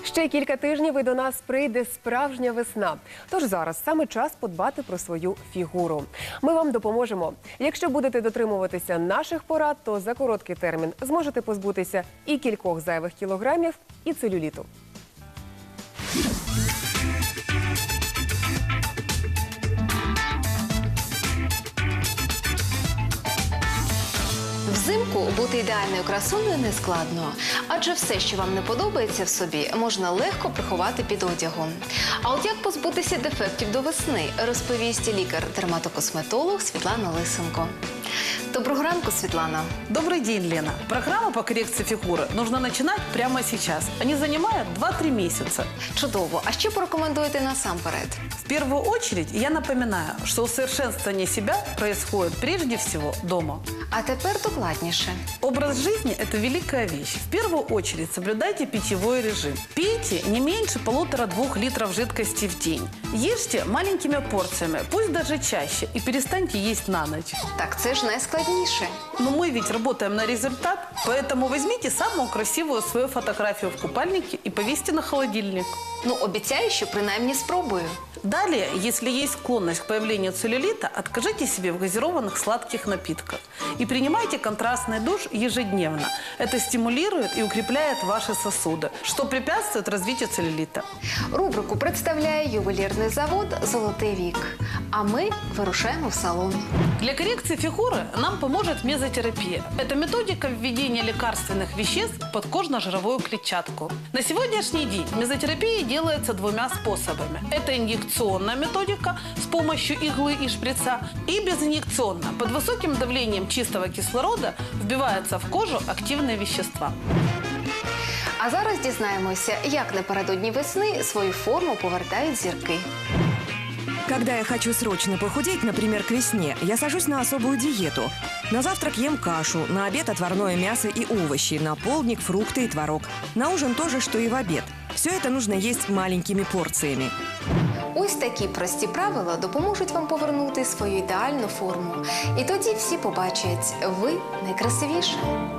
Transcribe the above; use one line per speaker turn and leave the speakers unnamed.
Ще кілька тижнів і до нас прийде справжня весна. Тож зараз саме час подбати про свою фігуру. Ми вам допоможемо. Якщо будете дотримуватися наших порад, то за короткий термін зможете позбутися і кількох зайвих кілограмів, і целюліту.
Взимку бути ідеальною красунею не складно, адже все, що вам не подобається в собі, можна легко приховати під одягом. А от як позбутися дефектів до весни, розповість лікар-дерматокосметолог Світлана Лисенко. Доброго ранку, Світлана.
Добрый день, Лена. Программу по коррекции фигуры нужно начинать прямо сейчас. Они занимают 2-3 месяца.
Чудово. А що порекомендуєте насамперед?
В первую очередь я напоминаю, что усовершенствование себя происходит прежде всего дома.
А тепер докладніше.
Образ жизни – это великая вещь. В первую очередь соблюдайте питьевой режим. Пейте не меньше 1,5-2 литров жидкости в день. Ешьте маленькими порциями, пусть даже чаще, и перестаньте есть на ночь.
Так це ж найскладніше.
Но мы ведь работаем на результат, поэтому возьмите самую красивую свою фотографию в купальнике и повесьте на холодильник.
Ну, обіцяю, що принаймні спробую.
Далее, если есть склонность к появлению целлюлита, откажите себе в газированных сладких напитках и принимайте контрастный душ ежедневно. Это стимулирует и укрепляет ваши сосуды, что препятствует развитию целлюлита.
Рубрику представляє ювелірний завод «Золотий вік». А ми вирушаємо в салон.
Для коррекции фигуры нам поможет мезотерапия. Это методика введения лекарственных веществ в подкожно-жировую клетчатку. На сегодняшний день мезотерапия делается 2 способами. Это инъекционная методика с помощью иглы и шприца и безинъекционная. Под высоким давлением чистого кислорода вбиваются в кожу активные вещества.
А зараз дізнаємося, як напередодні весни свою форму повертають зірки.
Когда я хочу срочно похудеть, например, к весне, я сажусь на особую диету. На завтрак ем кашу, на обед отварное мясо и овощи, на полдник фрукты и творог. На ужин то же, что и в обед. Все это нужно есть маленькими порциями.
Ось такі прості правила допоможуть вам повернути свою ідеальну форму. І тоді всі побачать, ви найкрасивіша.